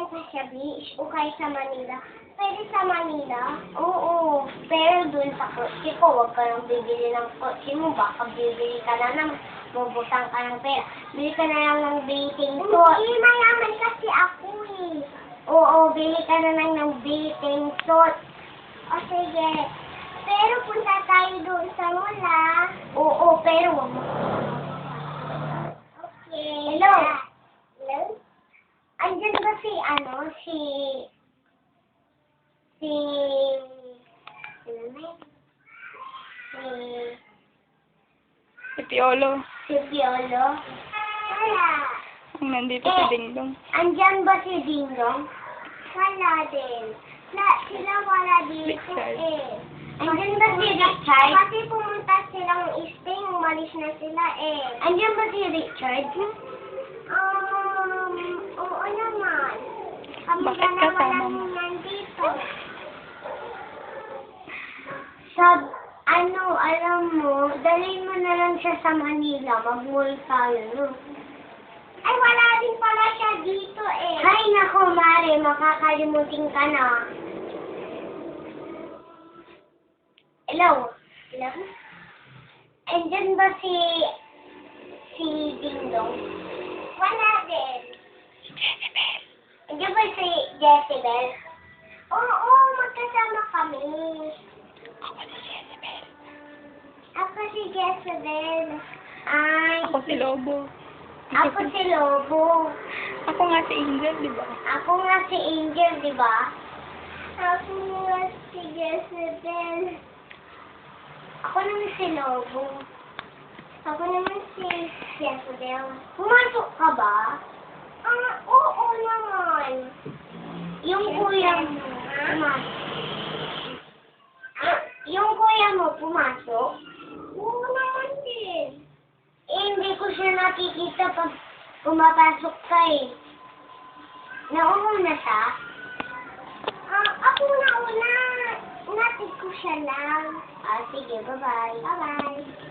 okay sa beach, okay sa Manila. Pwede sa Manila? Oo. Pero dun sa kotse ko, huwag ka nang bibili ng kotse mo. Baka bibili ka na ng bubutang ka ng pera. Bili ka na lang ng bathing suit. Hindi, mayaman kasi ako eh. Oo, bili ka na lang ng bathing suit. O sige. Pero punta tayo doon sa mall ah. Oo, pero wag mo. Okay. Hello? Hello? Andyan ba si Si Piolo. si Piolo? Wala. Ang nandito si Dingdong. Andyan ba si Dingdong? Wala din. Sila wala dito Richard. eh. Andyan ba si Richard? Kasi pumunta silang Spain, umalis na sila eh. Andyan ba si Richard? Oo naman. Kami Bakit dalawa kasama lang mo? nandito. Alam mo, dalhin mo na lang siya sa Manila. Mag-mall tayo, no? Ay, wala din pala siya dito eh. Ay, nako, Mare, makakalimutin ka na. Hello? Hello? Andyan ba si Dingdong? Wala din. Jezebel. Andyan ba si Jezebel? Oo, magkasama kami. Ako si Jezebel. Ako si Jezebel. Ay, Ako si Lobo. ako si Lobo. Ako nga si Angel, di ba? Ako nga si Angel, di ba? Ako nga si Jezebel. Ako naman si Lobo. Ako naman si Jezebel. Pumasok ka ba? Oo naman. Yung kuya mo, pumasok. Yung kuya mo, pumasok? Oo naman din. Hindi ko siya nakikita pag pumapasok ka eh. Nauna siya? Ako nauna. Natin ko siya lang. Sige, bye-bye. Bye-bye.